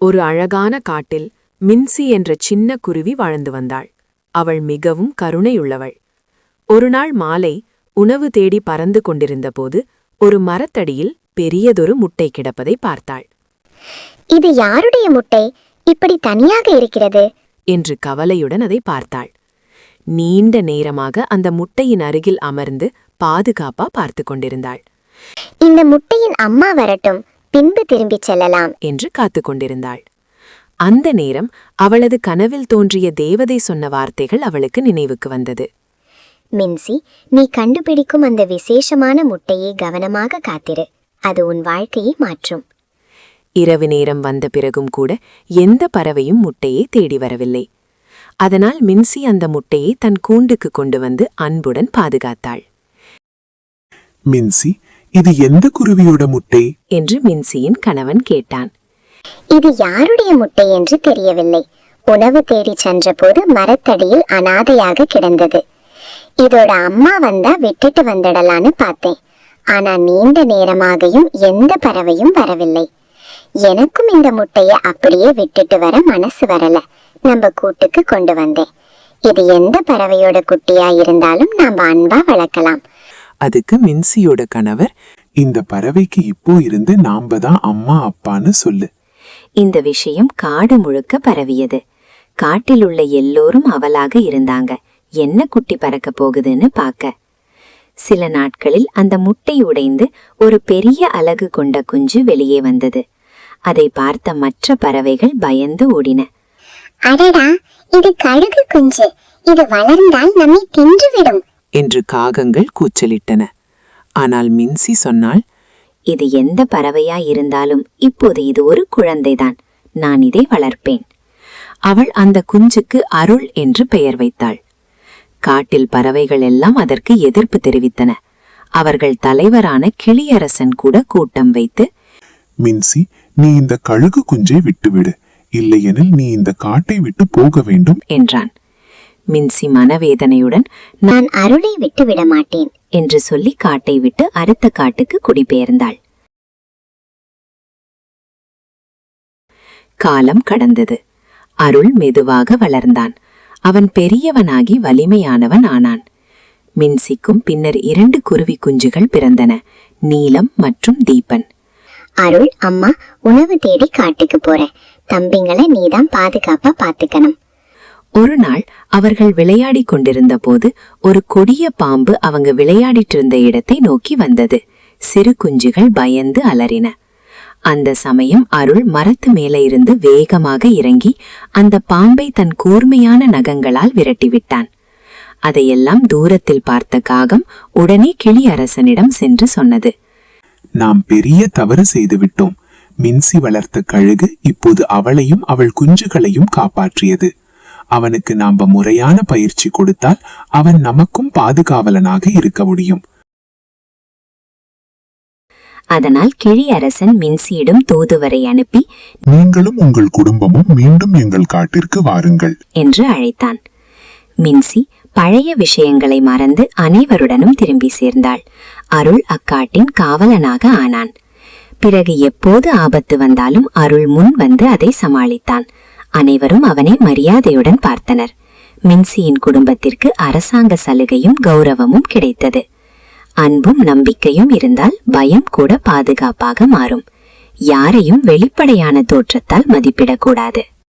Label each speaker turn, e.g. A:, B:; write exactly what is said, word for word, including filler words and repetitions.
A: ஒரு அழகான காட்டில் மின்சி என்ற சின்ன குருவி வாழ்ந்து வந்தாள். அவள் மிகவும் கருணையுள்ளவள். ஒருநாள் மாலை உணவு தேடி பறந்து கொண்டிருந்தபோது ஒரு மரத்தடியில் பெரியதொரு முட்டை கிடப்பதை பார்த்தாள்.
B: இது யாருடைய முட்டை இப்படி தனியாக இருக்கிறது
A: என்று கவலையுடன் அதை பார்த்தாள். நீண்ட நேரமாக அந்த முட்டையின் அருகில் அமர்ந்து பாதுகாப்பா பார்த்து கொண்டிருந்தாள்.
B: இந்த முட்டையின் அம்மா வரட்டும், பின்பு திரும்பிச் செல்லலாம்
A: என்று காத்து கொண்டிருந்தாள். அந்த நேரம் அவளது கனவில் தோன்றிய தேவதை சொன்ன வார்த்தைகள் அவளுக்கு நினைவுக்கு வந்தது.
B: மின்சி, நீ கண்டுபிடிக்கும் அந்த விசேஷமான முட்டையை கவனமாக காத்திரு, அது உன் வாழ்க்கையை மாற்றும்.
A: இரவு நேரம் வந்த பிறகும் கூட எந்த பறவையும் முட்டையை தேடி வரவில்லை. அதனால் மின்சி அந்த முட்டையை தன் கூண்டுக்கு கொண்டு வந்து அன்புடன் பாதுகாத்தாள்.
C: மின்சி, இது எந்த குருவியோட முட்டை
A: என்று மின்சியின் கணவன் கேட்டான்.
B: இது யாருடைய முட்டை என்று தெரியவில்லை. உணவு தேடி சென்றபோது மரத்தடியில் அனாதையாக கிடந்தது. இதோட அம்மா வந்தா விட்டுட்டு வந்துடலான்னு பார்த்தேன். ஆனா நீண்ட நேரமாகியும் எந்த பறவையும் வரவில்லை. எனக்கும் இந்த முட்டையை அப்படியே விட்டுட்டு வர மனசு வரல. நம்ம கூட்டுக்கு கொண்டு வந்தேன். இது எந்த பறவையோட குட்டியா இருந்தாலும் நாம அன்பா வளர்க்கலாம்.
C: அதுக்கு மின்சியோட கணவர், இந்த பறவைக்கு இப்போ இருந்து நாம தான் அம்மா அப்பான்னு சொல்லு.
D: இந்த விஷயம் காடு முழுக்க பரவியது. காட்டில் உள்ள எல்லோரும் அவலாக இருந்தாங்க, என்ன குட்டி பறக்க போகுதுன்னு பார்க்க. சில நாட்களில் அந்த முட்டை உடைந்து ஒரு பெரிய அலகு கொண்ட குஞ்சு வெளியே வந்தது. அதை பார்த்த மற்ற பறவைகள் பயந்து ஓடின.
B: அடடா, இது கழுகு குஞ்சு, இது வளர்ந்தால் நம்மை தின்றுவிடும்
C: என்று காகங்கள் கூச்சலிட்டன. ஆனால் மின்சி சொன்னாள்,
D: இது எந்த பறவையா இருந்தாலும் இப்போது இது ஒரு குழந்தைதான், நான் இதை வளர்ப்பேன். அவள் அந்த குஞ்சுக்கு அருள் என்று பெயர் வைத்தாள். காட்டில் பறவைகள் எல்லாம் அதற்கு எதிர்ப்பு தெரிவித்தன. அவர்கள் தலைவரான கிளியரசன் கூட கூட்டம் வைத்து,
C: மின்சி, நீ இந்த கழுகு குஞ்சை விட்டுவிடு, இல்லையெனில் நீ இந்த காட்டை விட்டு போக வேண்டும்
D: என்றான். மின்சி மனவேதனையுடன்,
B: நான் அருளை விட்டு விட மாட்டேன்
D: என்று சொல்லி காட்டை விட்டு அடுத்த காட்டுக்கு குடிபெயர்ந்தாள். காலம் கடந்தது. அருள் மெதுவாக வளர்ந்தான். அவன் பெரியவனாகி வலிமையானவன் ஆனான். மின்சிக்கும் பின்னர் இரண்டு குருவி குஞ்சுகள் பிறந்தன, நீலம் மற்றும் தீபன்.
B: அருள், அம்மா உணவு தேடி காட்டுக்கு போறேன். தம்பிங்களை நீதான் பாதுகாப்பா பாத்துக்கணும்.
D: ஒரு நாள் அவர்கள் விளையாடி கொண்டிருந்த போது ஒரு கொடிய பாம்பு அவங்க விளையாடிட்டு இருந்த இடத்தை நோக்கி வந்தது. சிறு குஞ்சுகள் பயந்து அலறின. அந்த சமயம் அருள் மரத்து மேலே இருந்து வேகமாக இறங்கி அந்த பாம்பை தன் கூர்மையான நகங்களால் விரட்டிவிட்டான். அதையெல்லாம் தூரத்தில் பார்த்த காகம் உடனே கிளியரசனிடம் சென்று சொன்னது,
C: நாம் பெரிய தவறு செய்து விட்டோம். மின்சி வளர்த்த கழுகு இப்போது அவளையும் அவள் குஞ்சுகளையும் காப்பாற்றியது. அவனுக்கு நாம முறையான பயிற்சி கொடுத்தால் அவன் நமக்கும் பாதுகாவலனாக இருக்க முடியும்.
D: அதனால் கிளியரசன் மின்சியிடம் தூதுவரை அனுப்பி,
C: நீங்களும் உங்கள் குடும்பமும் மீண்டும் எங்கள் காட்டிற்கு வாருங்கள்
D: என்று அழைத்தான். மின்சி பழைய விஷயங்களை மறந்து அனைவருடனும் திரும்பி சேர்ந்தாள். அருள் அக்காட்டின் காவலனாக ஆனான். பிறகு எப்போது ஆபத்து வந்தாலும் அருள் முன் வந்து அதை சமாளித்தான். அனைவரும் அவனை மரியாதையுடன் பார்த்தனர். மின்சியின் குடும்பத்திற்கு அரசாங்க சலுகையும் கௌரவமும் கிடைத்தது. அன்பும் நம்பிக்கையும் இருந்தால் பயம் கூட பாதுகாப்பாக மாறும். யாரையும் வெளிப்படையான தோற்றத்தால் மதிப்பிடக்கூடாது.